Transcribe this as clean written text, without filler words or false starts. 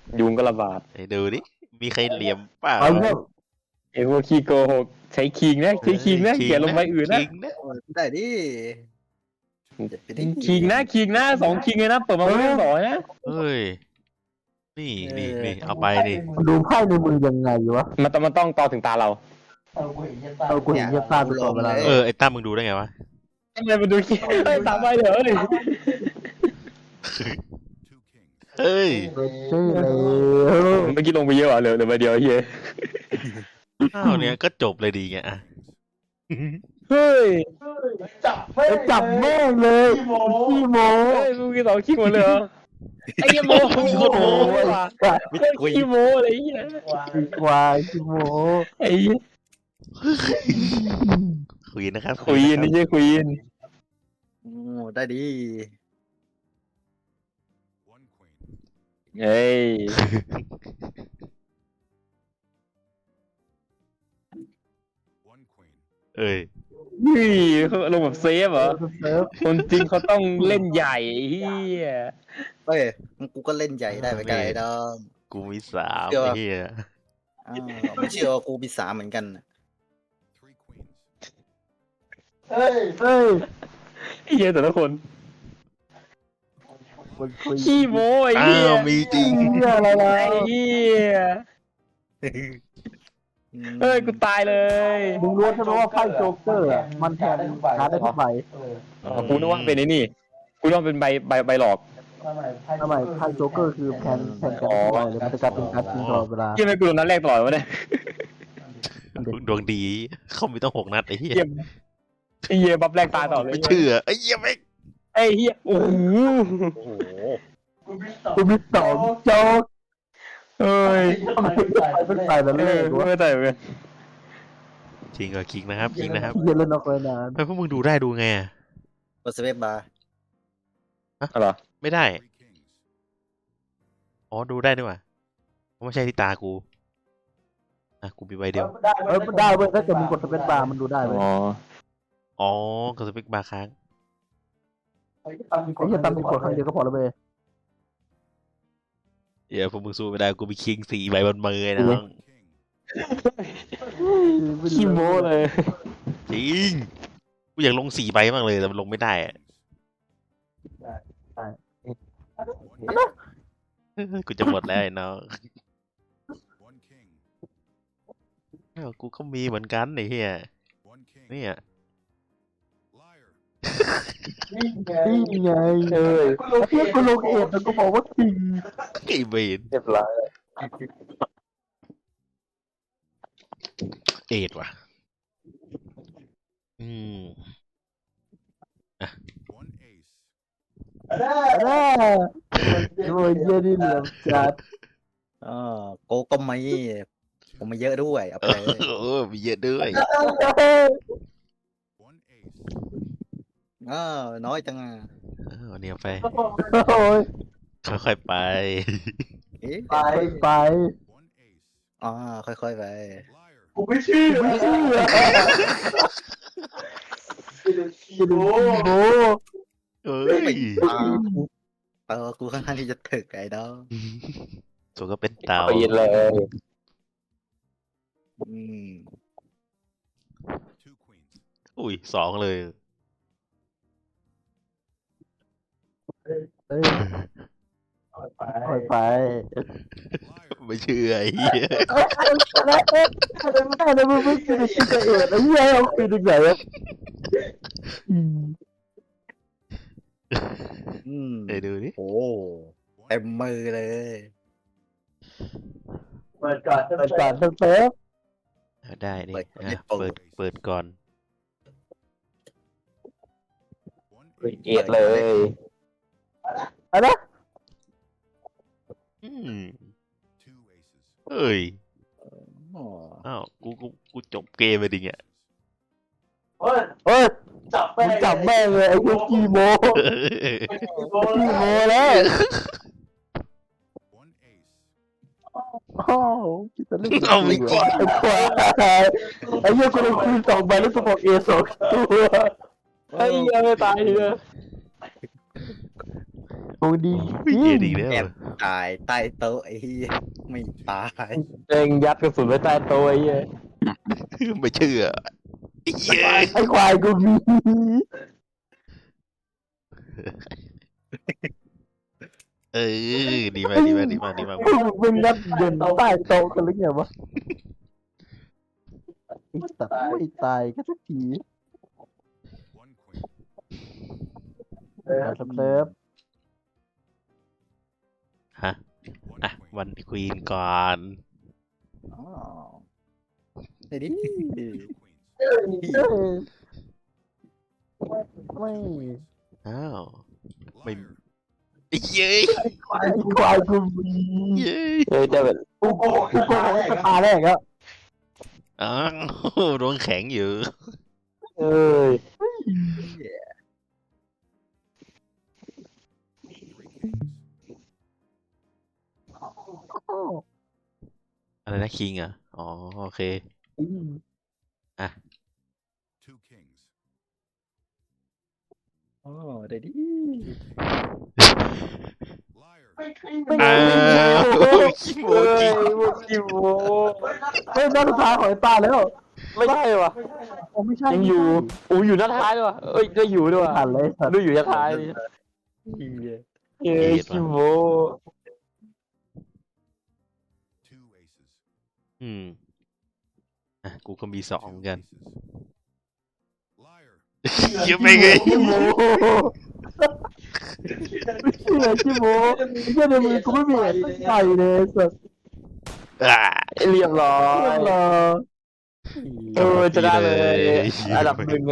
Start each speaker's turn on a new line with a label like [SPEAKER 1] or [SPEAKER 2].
[SPEAKER 1] ยุงก็ระบาด
[SPEAKER 2] ไอ้ดูดิมีใครเหลี่ยมเปล่า
[SPEAKER 1] ไอ้พวกขี้โกหกใช้คิงนะใช้คิงนะเขียนลงไปอื่นนะ
[SPEAKER 3] ได้ดิ
[SPEAKER 1] คิงนะ2 คิงเลยนะเปิดมาไม่ได้2นะ
[SPEAKER 2] เฮ้ยนี่เอาไปดิ
[SPEAKER 4] ดูไพ่ในมือยังไงวะ
[SPEAKER 1] มันต้องต่อถึงตาเรา
[SPEAKER 4] กูเห็นเยี่ยมตาไปก่อนเวลา
[SPEAKER 2] ไอ้ตั้มมึงดูได้ไงวะ
[SPEAKER 1] ทำไมมันดูคิงตามไปเดี๋ยวเลย
[SPEAKER 2] เฮ้ย
[SPEAKER 4] ใช่เลย
[SPEAKER 1] เมื่อกี้ลงไปเยอะเหรอเหลือใบเดียวเฮีย
[SPEAKER 2] อ้าวเนี่ยก็จบเลยดีไงอ่ะ
[SPEAKER 1] เฮ้ย
[SPEAKER 4] จับแม่งเลยขี้โม
[SPEAKER 1] เฮ้ยมึงกี่2 คิงหมดเลยเหรอไอ้เหี้ยโมโคตรโมเลยว่ะขี้โมอะไรเงี้ย
[SPEAKER 4] ควายขี้โม
[SPEAKER 1] ไอ้เหี้ย
[SPEAKER 2] คุยนะครับ
[SPEAKER 1] ควีนนี่ใช่ควีน
[SPEAKER 3] โอ้ได้ดิ
[SPEAKER 1] เฮ้ย
[SPEAKER 2] เอ้ย
[SPEAKER 1] นี่เขาลงแบบเซฟเหรอ
[SPEAKER 4] เซิร์ฟ
[SPEAKER 1] คนจริงเขาต้องเล่นใหญ่เฮีย
[SPEAKER 3] เฮ้ยกูก็เล่นใหญ่ได้ไปไกลดอง
[SPEAKER 2] กูมี3ไอ้เหี้ย
[SPEAKER 3] ไม่เชื่อว่ากูมี3เหมือนกัน
[SPEAKER 4] เฮ้ย
[SPEAKER 1] เฮียแต่ละคน
[SPEAKER 4] มันคุย
[SPEAKER 1] ขี้โม้ไอ้
[SPEAKER 2] อ้า
[SPEAKER 1] เฮียว
[SPEAKER 2] มีจริง
[SPEAKER 4] เหี้ยอะไรล่ะ
[SPEAKER 1] ไอ้เฮียเฮ้ยกูตายเลย
[SPEAKER 4] มึงรู้ใช่ไหมว่าไพ่โจ๊กเกอร์อะมันแทนการ์ดได้ทุกใบ
[SPEAKER 1] กูนึกว่าเป็นไอ้นี่กูนึกว่าเป็นใบหลอก
[SPEAKER 4] ทำไมไพ่โจ๊กเกอร์คือแทนการ์ดทุกใบเลยมันจะกลายเป็นการ์ดจริงตลอดเวลา
[SPEAKER 1] เฮียไม่กูโดนนัดแรกตลอดวะเนี่ย
[SPEAKER 2] ดวงดีเขามีต้อง6 นัดไอ้เหี้ย
[SPEAKER 1] เฮียบัฟแรกตายต่อเลย
[SPEAKER 2] ไม่เชื่อไอ้เหี้ยไม่
[SPEAKER 1] ไอ้เฮียโอ้โห
[SPEAKER 3] โอ้โห
[SPEAKER 4] กูมี2โจ๊ก
[SPEAKER 1] เอ้ย
[SPEAKER 4] เป็นไปแล้วเลย
[SPEAKER 1] ไม่ตายเหมือนกัน
[SPEAKER 2] จริงเหรอคิงนะครับคิงนะครับ
[SPEAKER 4] เย็นเล่นออกไปนาน
[SPEAKER 2] เฮ้ยพวกมึงดูได้ดูไงอะ
[SPEAKER 3] กดสเปซบาร์
[SPEAKER 1] อะไรอ
[SPEAKER 2] ไม่ได้อ๋อดูได้ด้วยว่ะไม่ใช่ที่ตากูกูมีใบเดียว
[SPEAKER 4] ได้เว้ยถ้าเกิดมึงกดสเปซบาร์มันดูได้เว้ย
[SPEAKER 1] อ๋อ
[SPEAKER 2] กับสเปกบาร์ค้าง
[SPEAKER 4] ไอ้เหี้ยตามมึงกดครั้งเดียวก็พอแล้วเว้ย
[SPEAKER 2] เดี๋ยวพวกมึงสู้ไม่ได้กูมีคิง4 ใบบนมือนะน้อง
[SPEAKER 1] ขี้โม้เลย
[SPEAKER 2] จริงกูอยากลง4 ใบมากเลยแต่มันลงไม่ได้อะกูจะหมดแล้วไอ้น้องกูก็มีเหมือนกันไอ้เหี้ยเนี่ย
[SPEAKER 4] นี่ไงแล้วเพื่อนกูลงเอ็ดแล้วกูบอกว่าคิง
[SPEAKER 2] ไอ้เบน
[SPEAKER 1] เรียบร้อย
[SPEAKER 2] เอ็ดว่ะ
[SPEAKER 4] โอ้ยเยี่ยนี่เหลี่ยมจัด
[SPEAKER 3] โกก็ไม่ผมมาเยอะด้วยเอาไปเลย
[SPEAKER 2] มีเยอะด้วย
[SPEAKER 3] น้อยจังอ่ะ
[SPEAKER 2] เนี่ยไป
[SPEAKER 4] โอ้ย
[SPEAKER 2] ค่อยๆไป
[SPEAKER 4] ไป
[SPEAKER 3] ค่อยๆไป
[SPEAKER 4] กูไม่เชื่อขี้โม
[SPEAKER 2] เอ้ย
[SPEAKER 3] กูค่อนข้างที่จะถึกไอ้ดอก
[SPEAKER 2] ตัวก็เป็นเต่า
[SPEAKER 1] ปีนเลย
[SPEAKER 2] อุ้ย2 เลย
[SPEAKER 4] ค่อยไป
[SPEAKER 2] ไม่เชื่อไอ้เหี้ย
[SPEAKER 4] แต่มึงไม่คิดจะเอ็ดไอ้เหี้ยเอาคืนยังไงวะ
[SPEAKER 2] เดี๋ยวดูดิ
[SPEAKER 3] โอ้เต็มมือเลย
[SPEAKER 4] เปิดก่อนเซฟ
[SPEAKER 2] ได้นี่เปิดก่อน
[SPEAKER 1] เอ็ดเลย
[SPEAKER 4] อะไร
[SPEAKER 2] เอ้ยอ้าวกูจบเกมไปดิเนี่ย
[SPEAKER 4] เฮ้ยจับแม่งเลยไอ้พวกขี้โมแล้ว อ้าวคิดจะเล่น
[SPEAKER 2] เอาไม่จริง
[SPEAKER 4] ไอ้ควายไอ้เหี้ยกูลงคืน2 ใบแล้วกูบอก2 ตัว
[SPEAKER 1] ไอ้เหี้ยไม่ตายเลย
[SPEAKER 4] โอ้ดี
[SPEAKER 2] เหี้ยดีแล้ว
[SPEAKER 3] ตายใต้โต๊ะไอ้เหี้ยไม่ตาย
[SPEAKER 4] เองยัดกระสุนไว้ใต้โต๊ะไอ้เหี้ย
[SPEAKER 2] ไม่เชื่อเย้ย
[SPEAKER 4] ไอ้ควายกูมี
[SPEAKER 2] เออดีมากดีมากดีมากดีมาก
[SPEAKER 4] พวกมึงเป็นยัดเย็นใต้โต๊ะกันหรือไงวะไอ้สัตว์ไม่ตายก็สักทีสเติร์ฟ
[SPEAKER 2] ฮะอ่ะวันควีนก่อน
[SPEAKER 3] อ๋อไอ้ดิ
[SPEAKER 4] เอ้ยไม่
[SPEAKER 2] อ้าวไม่เย้ย
[SPEAKER 4] ไอ้ควายกูมี
[SPEAKER 2] เย้ย
[SPEAKER 4] เออแต่แบบกูโกงตาแรกแล้ว
[SPEAKER 2] อ้าวโดนแข็งอยู่
[SPEAKER 4] เอ้ย
[SPEAKER 2] อะไรนะคิงอ่ะอ๋อโอเค
[SPEAKER 3] โอ้ได้ดิ
[SPEAKER 2] อ้าวขี้โม
[SPEAKER 4] เอ้ย
[SPEAKER 2] จิ
[SPEAKER 4] พวกกิโมเฮ้ยนัดสุดท้ายของไอ้ตาแล้ว
[SPEAKER 1] ไม่ใช่วะ
[SPEAKER 4] ผมไม่ใช่
[SPEAKER 1] ยังอยู่อูอยู่หน้าท้ายด้วยวะเอ้ยได้อยู่ด้วยวะ
[SPEAKER 4] ผ่านเลยสัตว์
[SPEAKER 1] ดูอยู่หน้าท้ายดิ
[SPEAKER 3] เหี้ย
[SPEAKER 1] เอ้ยคิโม
[SPEAKER 2] อ่ะกูก็มี2เหมือนกันเยอะไปไง
[SPEAKER 4] กิโมเชื่อกิโมเชื่อในมือกูไม่มีอะไรใส่เลยสัตว์
[SPEAKER 2] อ่า
[SPEAKER 1] เรียบร้อย
[SPEAKER 4] เรียบร้อย
[SPEAKER 1] เออจะได้เลยอันดับ 1